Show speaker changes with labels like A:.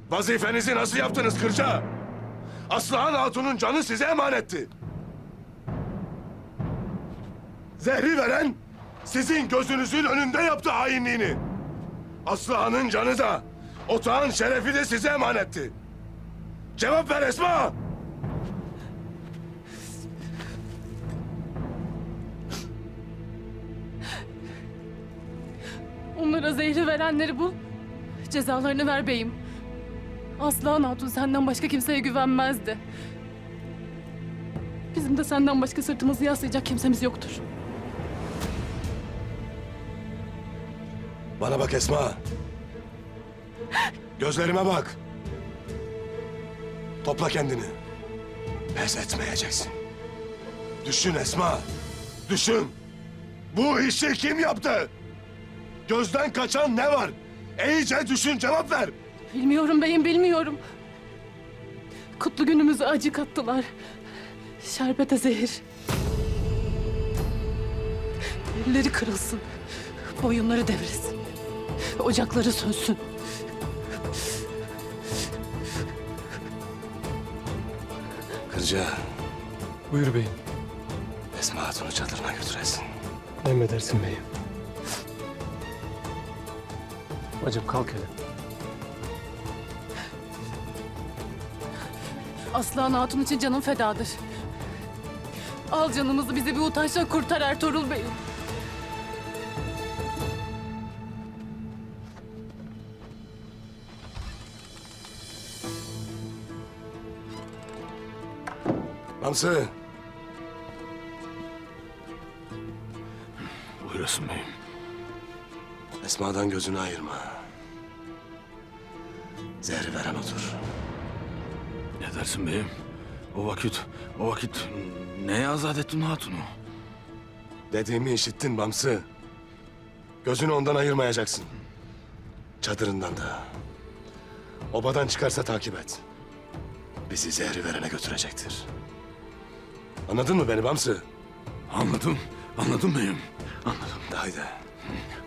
A: Vazifenizi nasıl yaptınız Kırca? Aslıhan Hatun'un canı size emanetti. Zehri veren sizin gözünüzün önünde yaptı hainliğini. Aslıhan'ın canı da, otağın şerefi de size emanetti. Cevap ver Esma!
B: Onlara zehri verenleri bul. Cezalarını ver beyim. Aslıhan Hatun senden başka kimseye güvenmezdi. Bizim de senden başka sırtımızı yaslayacak kimsemiz yoktur.
A: Bana bak Esma. Gözlerime bak. Topla kendini. Pes etmeyeceksin. Düşün Esma. Düşün. Bu işi kim yaptı? Gözden kaçan ne var? İyice düşün, cevap ver.
B: Bilmiyorum beyim, bilmiyorum. Kutlu günümüze acı kattılar. Şerbete zehir. Elleri kırılsın. Boyunları devrilsin. Ocakları sönsün.
A: Kırca,
C: Buyur beyim.
A: Esma Hatun'u çadırına götüresin.
C: Emredersin beyim. Bacım kalk hele.
B: Aslıhan Hatun için canım fedadır. Al canımızı, bizi bir utançtan kurtar Ertuğrul Bey'im.
A: Hamsı.
D: Buyurasın beyim.
A: Esma'dan gözünü ayırma. Zehri veren odur.
D: Ne dersin beyim? O vakit neye azat ettin hatunu?
A: Dediğimi işittin Bamsı. Gözünü ondan ayırmayacaksın. Çadırından da. Obadan çıkarsa takip et. Bizi zehri verene götürecektir. Anladın mı beni Bamsı?
D: Anladım beyim. Anladım.
A: Haydi.